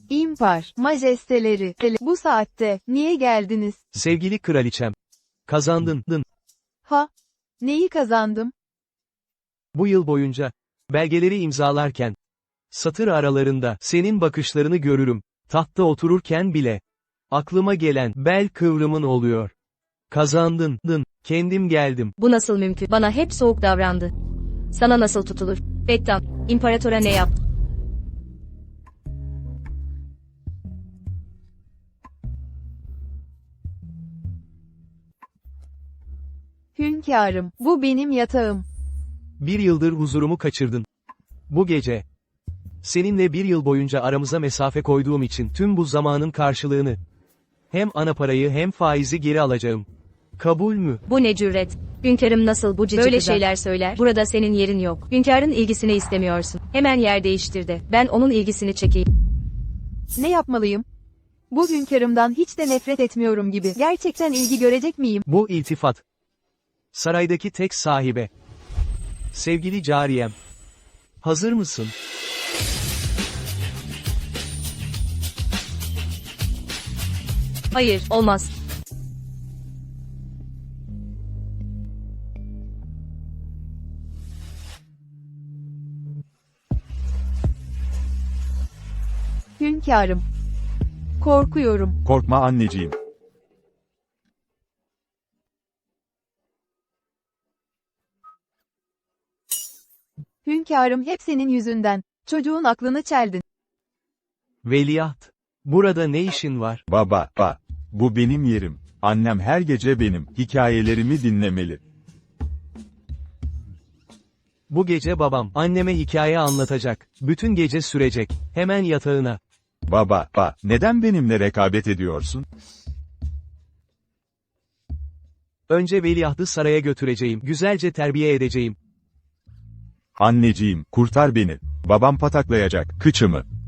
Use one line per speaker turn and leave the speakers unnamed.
İmpar, majesteleri, bu saatte, niye geldiniz?
Sevgili kraliçem. Kazandın.
Ha? Neyi kazandım?
Bu yıl boyunca, belgeleri imzalarken, satır aralarında senin bakışlarını görürüm, tahtta otururken bile, aklıma gelen bel kıvrımın oluyor. Kazandın. Kendim geldim.
Bu nasıl mümkün? Bana hep soğuk davrandı. Sana nasıl tutulur? Bektan, imparatora ne yaptı?
Hünkârım, bu benim yatağım.
Bir yıldır huzurumu kaçırdın. Bu gece, seninle bir yıl boyunca aramıza mesafe koyduğum için tüm bu zamanın karşılığını, hem ana parayı hem faizi geri alacağım. Kabul mü?
Bu ne cüret? Hünkârım nasıl bu cici
Böyle
kıza
şeyler
söyler? Burada senin yerin yok. Hünkârın ilgisini istemiyorsun. Hemen yer değiştir de. Ben onun ilgisini çekeyim.
Ne yapmalıyım? Bu hünkârımdan hiç de nefret etmiyorum gibi. Gerçekten ilgi görecek miyim?
Bu iltifat. Saraydaki tek sahibe. Sevgili cariyem. Hazır mısın?
Hayır, olmaz.
Hünkârım. Korkuyorum.
Korkma anneciğim.
Hünkârım hep senin yüzünden. Çocuğun aklını çeldin.
Veliaht. Burada ne işin var?
Baba, bu benim yerim. Annem her gece benim hikayelerimi dinlemeli.
Bu gece babam, anneme hikaye anlatacak. Bütün gece sürecek. Hemen yatağına.
Baba, neden benimle rekabet ediyorsun?
Önce veliahtı saraya götüreceğim. Güzelce terbiye edeceğim.
Anneciğim, kurtar beni. Babam pataklayacak kıçımı.